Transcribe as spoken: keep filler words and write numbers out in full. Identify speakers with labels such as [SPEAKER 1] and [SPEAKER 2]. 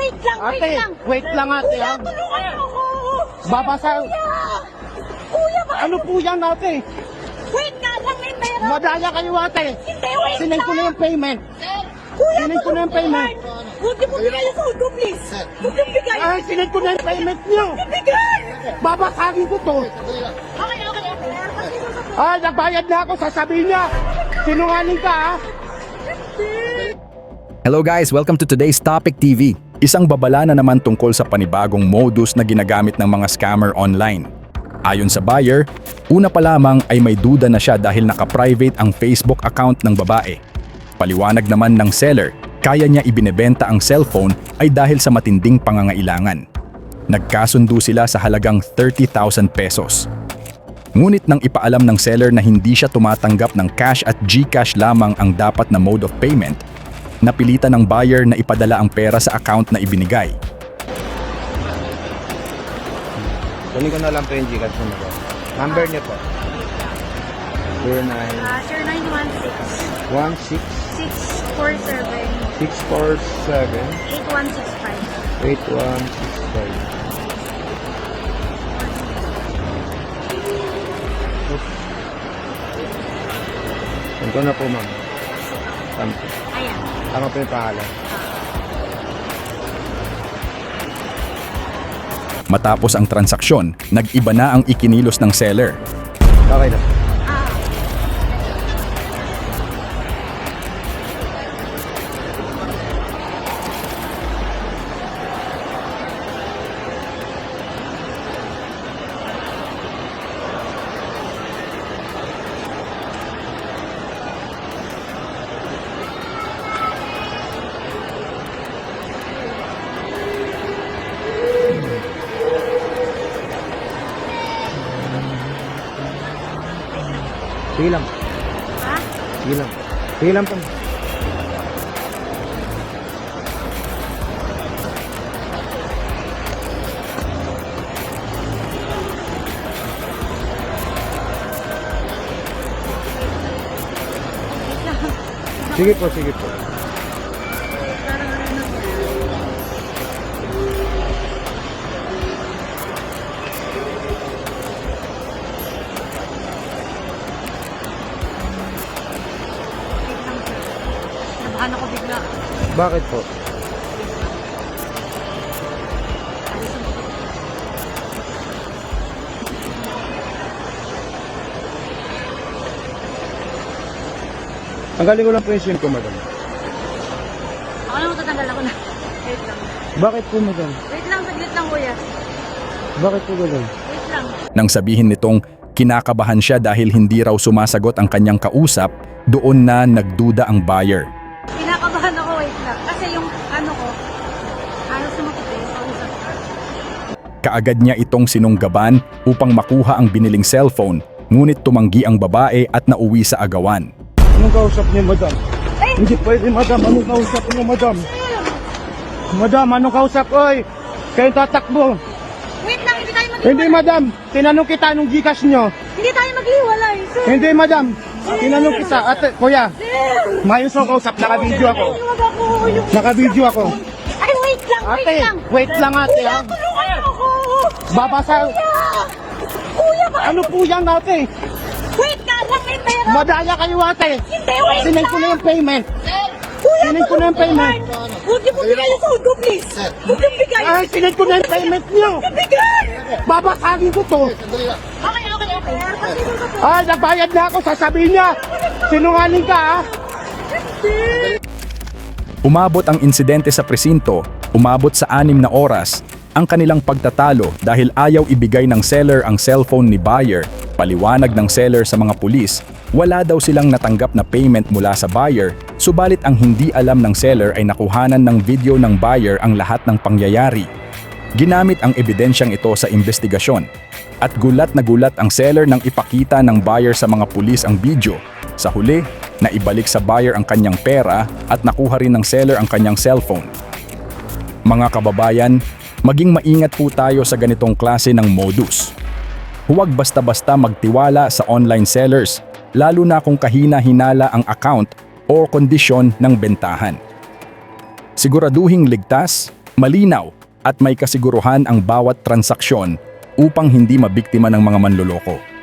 [SPEAKER 1] wait lang, wait
[SPEAKER 2] Ate,
[SPEAKER 1] lang.
[SPEAKER 2] wait lang ate.
[SPEAKER 1] Kuya,
[SPEAKER 2] ah.
[SPEAKER 1] tulungan mo ako.
[SPEAKER 2] Babasa.
[SPEAKER 1] Kuya! Kuya, ba?
[SPEAKER 2] Ano po yan ate?
[SPEAKER 1] Wait nga lang, may pera.
[SPEAKER 2] Madaya kayo ate.
[SPEAKER 1] Hindi, wait
[SPEAKER 2] Sinend ko na
[SPEAKER 1] lang.
[SPEAKER 2] yung payment.
[SPEAKER 1] Kuya,
[SPEAKER 2] Sinend ko na yung payment.
[SPEAKER 1] Huwag niyo po bigay yung phone ko, please. Huwag niyo bigay.
[SPEAKER 2] Ay, sinend ko na yung payment niyo.
[SPEAKER 1] Bigay!
[SPEAKER 2] Babasagin ko to.
[SPEAKER 1] Okay, okay, okay.
[SPEAKER 2] Ay, nagbayad na ako. Sasabihin niya. Sinungaling ka ha.
[SPEAKER 3] Hello guys, welcome to today's Topic T V. Isang babala na naman tungkol sa panibagong modus na ginagamit ng mga scammer online. Ayon sa buyer, una pa lamang ay may duda na siya dahil naka-private ang Facebook account ng babae. Paliwanag naman ng seller, kaya niya ibinebenta ang cellphone ay dahil sa matinding pangangailangan. Nagkasundo sila sa halagang thirty thousand pesos. Ngunit nang ipaalam ng seller na hindi siya tumatanggap ng cash at GCash lamang ang dapat na mode of payment, napilitan ng buyer na ipadala ang pera sa account na ibinigay.
[SPEAKER 4] Kunin ko na lang po yung Gcash mo na. Number niyo po. zero nine
[SPEAKER 1] Ah, sir, nine one six,
[SPEAKER 4] one six
[SPEAKER 1] six four seven,
[SPEAKER 4] six four seven
[SPEAKER 1] eight one six five.
[SPEAKER 4] eight one six five. Ito na po, ma'am. Tama po.
[SPEAKER 1] Ayan.
[SPEAKER 4] Tama po yung pangalan.
[SPEAKER 3] Matapos ang transaksyon, nag-iba na ang ikinilos ng seller.
[SPEAKER 4] Okay na.
[SPEAKER 1] Ah,
[SPEAKER 4] Sige lang.
[SPEAKER 1] ha?
[SPEAKER 4] Sige lang. Sige lang po. Sige po, sige po.
[SPEAKER 1] Parang ano na. Wait lang, sir. Nabahan ako bigla.
[SPEAKER 4] Bakit po? Tanggalin ko lang po yung SIM ko, madam.
[SPEAKER 1] Ako na matatanggal ako na. Wait lang.
[SPEAKER 4] Bakit po, madam?
[SPEAKER 1] Wait lang, saglit lang, kuya.
[SPEAKER 4] Bakit po ganun?
[SPEAKER 1] Wait lang.
[SPEAKER 3] Nang sabihin nitong kinakabahan siya dahil hindi raw sumasagot ang kanyang kausap, doon na nagduda ang buyer.
[SPEAKER 1] Kinakabahan ako, wait lang. Kasi yung ano ko, ano sumakit eh, kausap ko.
[SPEAKER 3] Kaagad niya itong sinunggaban upang makuha ang biniling cellphone, ngunit tumanggi ang babae at nauwi sa agawan.
[SPEAKER 2] Anong kausap niyo, madam?
[SPEAKER 1] Ay!
[SPEAKER 2] Hindi pwede, madam. Anong kausap niyo, madam? Madam, anong kausap? Oy, kayo tatakbo.
[SPEAKER 1] Wait lang, hindi tayo maghiwalay.
[SPEAKER 2] Hindi, madam. Tinanong kita anong Gcash niyo.
[SPEAKER 1] Hindi tayo maghiwalay, sir.
[SPEAKER 2] Hindi, madam. Tinanong kita. Ate, kuya, mayos ang kausap. Naka-video ako.
[SPEAKER 1] Huwag ako. Yung...
[SPEAKER 2] Naka-video ako.
[SPEAKER 1] Ay, wait lang, wait
[SPEAKER 2] Ate,
[SPEAKER 1] lang.
[SPEAKER 2] wait lang ate.
[SPEAKER 1] Kuya,
[SPEAKER 2] ha?
[SPEAKER 1] tulungan mo ako.
[SPEAKER 2] Babasa.
[SPEAKER 1] Kuya! Kuya, ba?
[SPEAKER 2] Ano po yan ate?
[SPEAKER 1] Wait nga lang, may pera.
[SPEAKER 2] Madaya kayo ate.
[SPEAKER 1] Hindi, wait
[SPEAKER 2] Sinend ko
[SPEAKER 1] lang.
[SPEAKER 2] na yung payment.
[SPEAKER 1] Kuya,
[SPEAKER 2] Sinend ko na yung payment.
[SPEAKER 1] Huwag niyo po bigay yung phone ko, please. Huwag niyo bigay.
[SPEAKER 2] Ay, sinend ko na yung payment niyo.
[SPEAKER 1] Bigay!
[SPEAKER 2] Babasagin ko to.
[SPEAKER 1] Okay, okay, okay.
[SPEAKER 2] Ay, nagbayad na ako. Sasabihin niya. Sinungaling ka ha.
[SPEAKER 3] Umabot ang insidente sa presinto, umabot sa anim na oras, ang kanilang pagtatalo dahil ayaw ibigay ng seller ang cellphone ni buyer. Paliwanag ng seller sa mga pulis, wala daw silang natanggap na payment mula sa buyer, subalit ang hindi alam ng seller ay nakuhanan ng video ng buyer ang lahat ng pangyayari. Ginamit ang ebidensyang ito sa investigasyon, at gulat na gulat ang seller nang ipakita ng buyer sa mga pulis ang video. Sa huli, naibalik sa buyer ang kanyang pera at nakuha rin ng seller ang kanyang cellphone. Mga kababayan, maging maingat po tayo sa ganitong klase ng modus. Huwag basta-basta magtiwala sa online sellers, lalo na kung kahina-hinala ang account o kondisyon ng bentahan. Siguraduhing ligtas, Malinaw at may kasiguruhan ang bawat transaksyon upang hindi mabiktima ng mga manloloko.